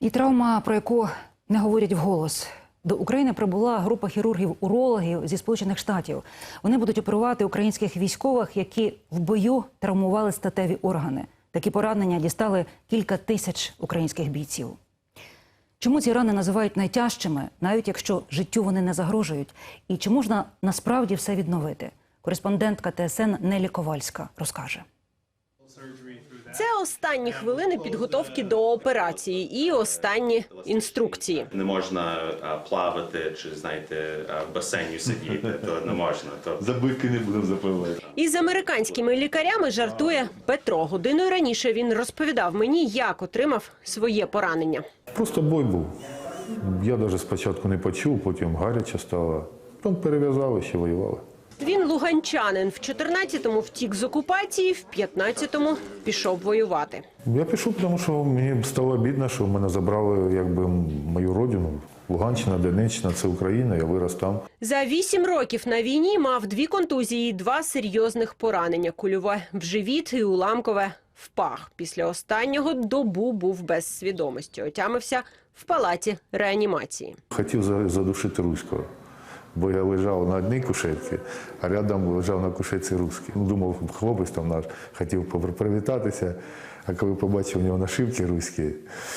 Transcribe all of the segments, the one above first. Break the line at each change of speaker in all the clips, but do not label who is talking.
І травма, про яку не говорять вголос. До України прибула група хірургів-урологів зі Сполучених Штатів. Вони будуть оперувати українських військових, які в бою травмували статеві органи. Такі поранення дістали кілька тисяч українських бійців. Чому ці рани називають найтяжчими, навіть якщо життю вони не загрожують? І чи можна насправді все відновити? Кореспондентка ТСН Нелі Ковальська розкаже.
Це останні хвилини підготовки до операції і останні інструкції.
Не можна плавати чи, знаєте, в басейні сидіти, то не можна.
За бики не будемо запивати.
Із американськими лікарями жартує Петро. Годиною раніше він розповідав мені, як отримав своє поранення.
Просто бой був. Я навіть спочатку не почув, потім гаряче стало. Потім перев'язали, ще воювали.
Він луганчанин. В 14-му втік з окупації, в 15-му пішов воювати.
Я пішов, тому що мені стало обідно, що мене забрали якби мою родину. Луганщина, Донеччина, це Україна, я вирос там.
За 8 років на війні мав 2 контузії і 2 серйозних поранення. Кульове в живіт і уламкове в пах. Після останнього добу був без свідомості. Отямився в палаті реанімації.
Хотів задушити руського. Бо я лежав на одній кушетці, а рядом лежав на кушетці русський. Думав, хлопець там наш хотів привітатися, а коли побачив у нього нашивки руські,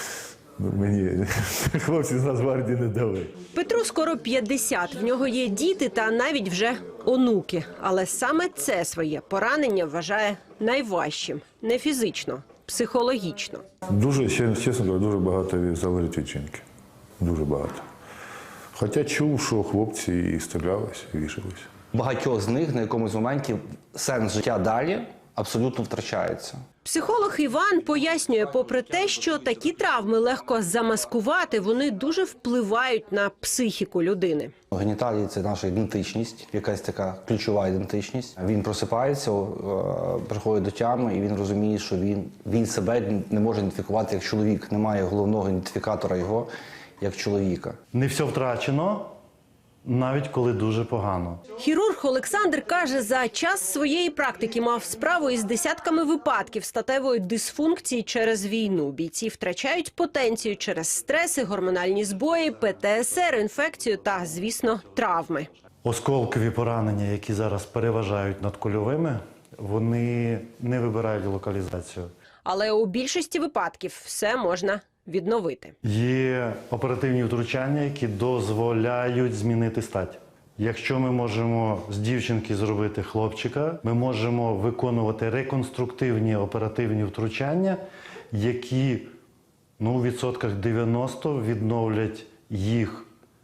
мені хлопці з Нацгвардії не дали.
Петру скоро 50, в нього є діти та навіть вже онуки. Але саме це своє поранення вважає найважчим. Не фізично, психологічно.
Дуже, чесно кажучи, дуже багато залежить від жінки. Дуже багато. Хоча чув, що хлопці і стрілялися, і вішалися.
Багатьох з них на якомусь моменті сенс життя далі абсолютно втрачається.
Психолог Іван пояснює, попри те, що такі травми легко замаскувати, вони дуже впливають на психіку людини.
Геніталії – це наша ідентичність, якась така ключова ідентичність. Він просипається, приходить до тями, і він розуміє, що він себе не може ідентифікувати як чоловік. Немає головного ідентифікатора його як чоловіка.
Не все втрачено, навіть коли дуже погано.
Хірург Олександр каже, за час своєї практики мав справу із десятками випадків статевої дисфункції через війну. Бійці втрачають потенцію через стреси, гормональні збої, ПТСР, інфекцію та, звісно, травми.
Осколкові поранення, які зараз переважають над кульовими, вони не вибирають локалізацію.
Але у більшості випадків все можна відновити.
Є оперативні втручання, які дозволяють змінити стать. Якщо ми можемо з дівчинки зробити хлопчика, ми можемо виконувати реконструктивні оперативні втручання, які у відсотках 90 відновлять їх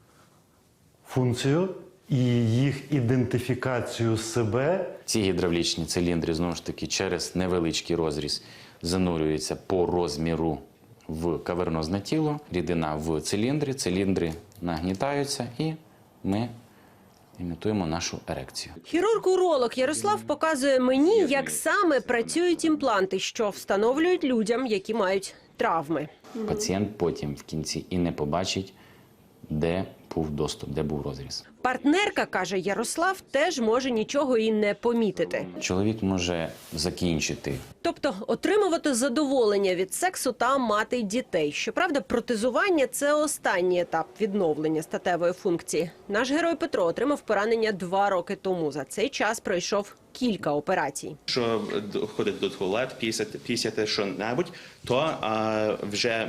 функцію і їх ідентифікацію себе.
Ці гідравлічні циліндри, знову ж таки, через невеличкий розріз занурюються по розміру в кавернозне тіло, рідина в циліндрі, циліндри нагнітаються і ми імітуємо нашу ерекцію.
Хірург-уролог Ярослав показує мені, як саме працюють імпланти, що встановлюють людям, які мають травми.
Пацієнт потім в кінці і не побачить, де був доступ, де був розріз.
Партнерка, каже Ярослав, теж може нічого і не помітити.
Чоловік може закінчити.
Тобто отримувати задоволення від сексу та мати дітей. Щоправда, протезування – це останній етап відновлення статевої функції. Наш герой Петро отримав поранення 2 роки тому. За цей час пройшов кілька операцій.
Якщо ходити до туалету, пісяти що-небудь, то вже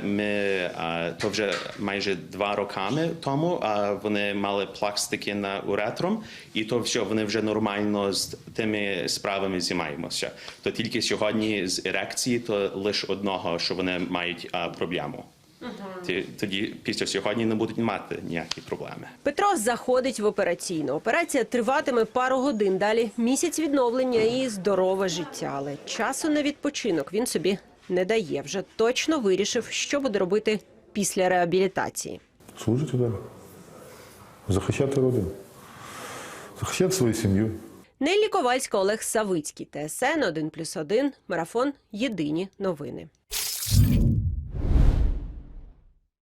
майже 2 роки тому вони мали пластики на уретром, і то все, вони вже нормально з тими справами займаються. То тільки сьогодні з ерекції, то лише одного, що вони мають проблему. Тоді після сьогодні не будуть мати ніякі проблеми.
Петро заходить в операційну. Операція триватиме пару годин. Далі місяць відновлення і здорове життя. Але часу на відпочинок він собі не дає. Вже точно вирішив, що буде робити після реабілітації.
Служити далі. Захищати родину. Захищати свою сім'ю.
Нелі Ковальська, Олег Савицький, ТСН 1+1, Марафон. Єдині новини.